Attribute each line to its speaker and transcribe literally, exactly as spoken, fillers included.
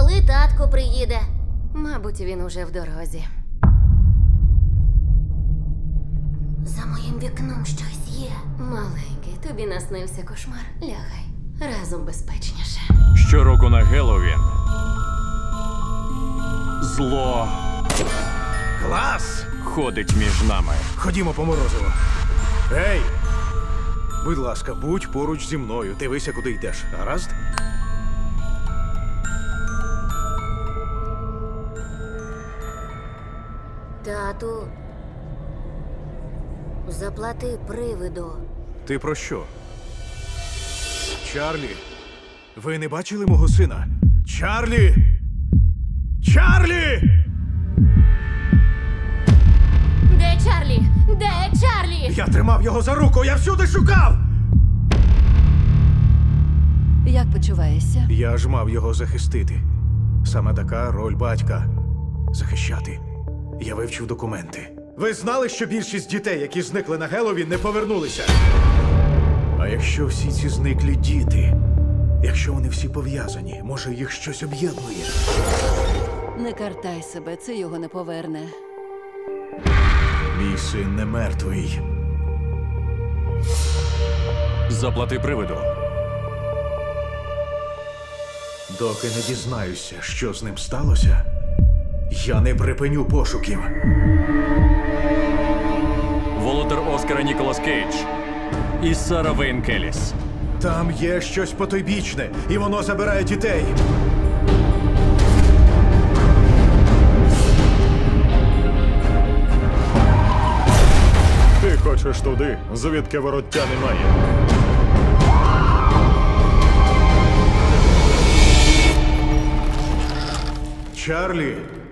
Speaker 1: Коли татко приїде?
Speaker 2: Мабуть, він уже в дорозі.
Speaker 1: За моїм вікном щось є.
Speaker 2: Маленький, тобі наснився кошмар. Лягай. Разом безпечніше.
Speaker 3: Щороку на Геловін зло
Speaker 4: Клас!
Speaker 3: ходить між нами.
Speaker 4: Ходімо по морозиво. Ей! Будь ласка, будь поруч зі мною. Дивися, куди йдеш. Гаразд?
Speaker 1: Тату, заплати привиду.
Speaker 4: Ти про що? Чарлі, ви не бачили мого сина? Чарлі! Чарлі!
Speaker 2: Де Чарлі? Де Чарлі?
Speaker 4: Я тримав його за руку, я всюди шукав!
Speaker 5: Як почуваєшся?
Speaker 4: Я ж мав його захистити. Саме така роль батька – захищати. Я вивчив документи. Ви знали, що більшість дітей, які зникли на Геловін, не повернулися? А якщо всі ці зниклі діти, якщо вони всі пов'язані, може їх щось об'єднує?
Speaker 5: Не картай себе, це його не поверне.
Speaker 4: Мій син не мертвий.
Speaker 3: Заплати привиду.
Speaker 4: Доки не дізнаюся, що з ним сталося, я не припиню пошуків.
Speaker 3: Володар Оскара Ніколас Кейдж і Сара Вейн Келіс.
Speaker 4: Там є щось потойбічне, і воно забирає дітей.
Speaker 6: Ти хочеш туди, звідки вороття немає.
Speaker 4: Чарлі,